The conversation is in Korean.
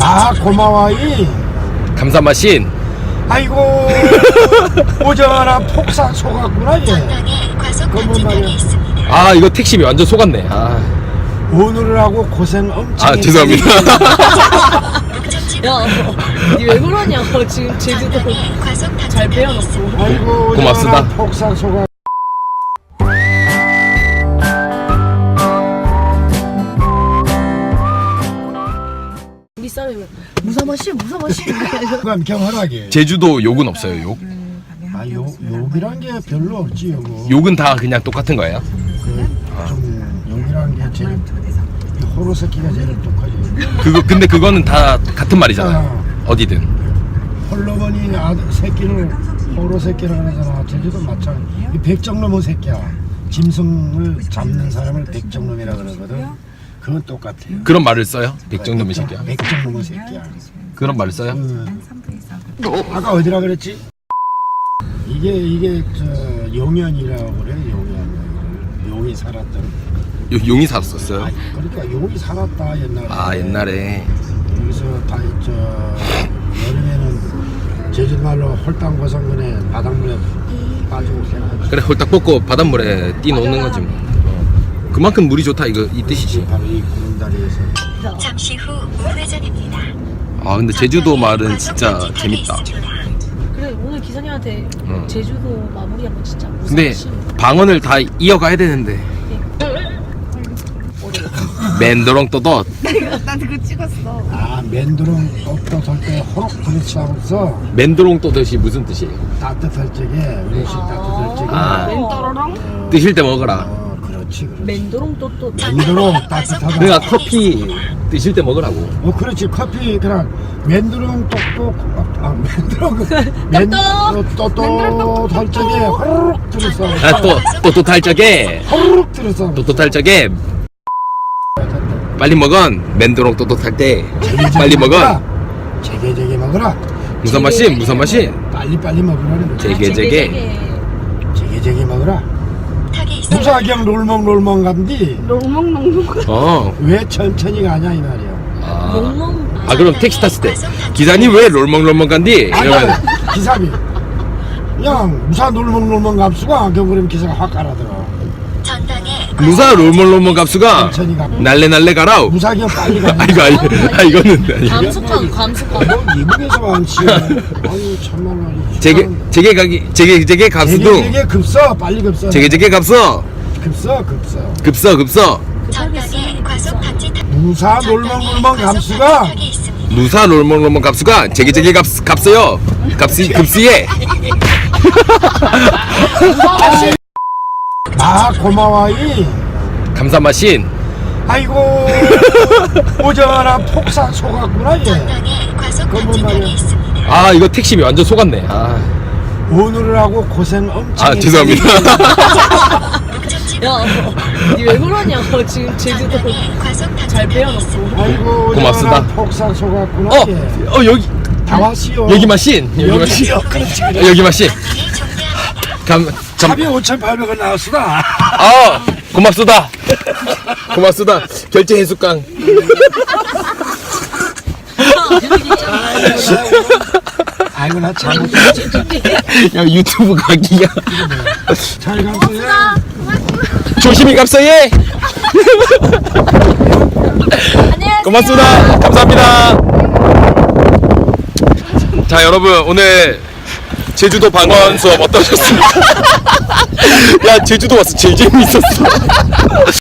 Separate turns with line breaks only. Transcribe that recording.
아, 고마워이.
감사마신.
아이고, 오전아 폭삭 속았구나, 얘. 그건 말이야.
아, 이거 택시비 완전 속았네. 아,
오늘을 하고 고생 엄청
아 죄송합니다.
야, 니 왜 그러냐? 지금 제주도 잘 배워놨어.
아이고,
고맙습니다.
오전아 폭삭 속았.
우리 사람이 무사마시.
그럼 경활하게.
제주도 욕은 없어요. 욕?
아, 욕이란 게 별로 없지, 요거.
욕은 다 그냥 똑같은 거예요?
좀 욕이란 게 제일 이 호로 새끼가 제일 똑하지.
근데 그거는 다 같은 말이잖아요. 어디든.
홀로머니 아들 새끼를 호로 새끼라고 하잖아. 제주도 마찬가지. 이 백정놈의 새끼야. 짐승을 잡는 사람을 백정놈이라 그러거든. 그건 똑같아요.
그런 말을 써요? 백정놈의 새끼야.
백정놈의 새끼야.
그런 말을 써요?
아까 어디라 그랬지? 이게 저 용연이라고 그래. 용이 살았던.
용이 살았었어요?
그러니까 용이 살았다 옛날에.
아, 옛날에.
여기서 다 저 여름에는 제주말로 홀땅고성근에 바닷물에 빠지고 그냥
그래, 홀딱 뽑고 바닷물에 뛰 놓는 거지 뭐. 그만큼 물이 좋다 이 뜻이지.
바로 이 구름다리에서.
잠시 후 우회전입니다.
아, 근데 제주도 말은 진짜 재밌다.
그래, 오늘 기사님한테 제주도 마무리 한번 진짜.
근데
무사마시.
방언을 다 이어가야 되는데. 맨도롱 또덧.
나한테 그거 찍었어.
아, 맨두렁 또또 설때 호록 부딪히면서
맨도롱 또덧이 무슨 뜻이에요?
따뜻할 적에 음식 따뜻할 적에
아.
멘토로롱?
뜨실 때 먹어라.
그렇지.
맨도롱 또
맨두렁 따뜻하다.
그러니까 커피 뜨실 때 먹으라고.
그렇지. 커피 그냥 맨두렁 똑똑 맨두렁 또또 할 적에 호록 들었어.
아, 또 탈 적에
호록 들었어.
또 탈 적에 빨리 먹은 맨도롱 또 탈 때 빨리 먹은
제게 먹어라.
무슨 맛이
빨리 먹으라는 거지.
제게
제게 먹어라. 무사경 롤멍 감디.
롱롱롱롱.
왜 천천히 가냐 이 말이야.
아, 그럼 택시 탔을 때 기사님 왜 롤멍 간디? 이러면
기사비. 그냥 무사 롤멍 감수가 그러면 기사가 확 깔아들어.
무사 롤멍 값수가
천천히 가.
날래 가라.
무사경 빨리 가냐.
이거는 아니야.
감숙한.
너 미국에서 왔지. 아유 참말로.
제게 값수도
제게 급서 빨리 급서.
제게 값서
급서. 무사 롤멍 감수가
무사 롤멍 값수가 제게 값서요. 급시에
아 고마워이.
감사마신.
아이고 오전아 폭삭 속았구나 얘. 그건 말이야.
아, 이거 택시비 완전 속았네. 아,
오늘을 하고 고생 엄청.
아 죄송합니다.
야, 니 왜 그러냐? 지금 제주도 잘 배워놨어.
아이고
고맙습니다.
오전아 폭삭 속았구나 얘.
여기
다 왔시오.
여기 마신.
그렇지.
여기 마신.
합이 5,800원 나왔수다.
아, 고맙습니다. 결제 해수강.
아이고 나 잘못.
야, 유튜브 각이야.
잘 갔어요.
조심히 갑서예. 고맙습니다. 감사합니다. 자, 여러분 오늘 제주도 방언 수업 어떠셨습니까? 야, 제주도 와서 제일 재밌었어.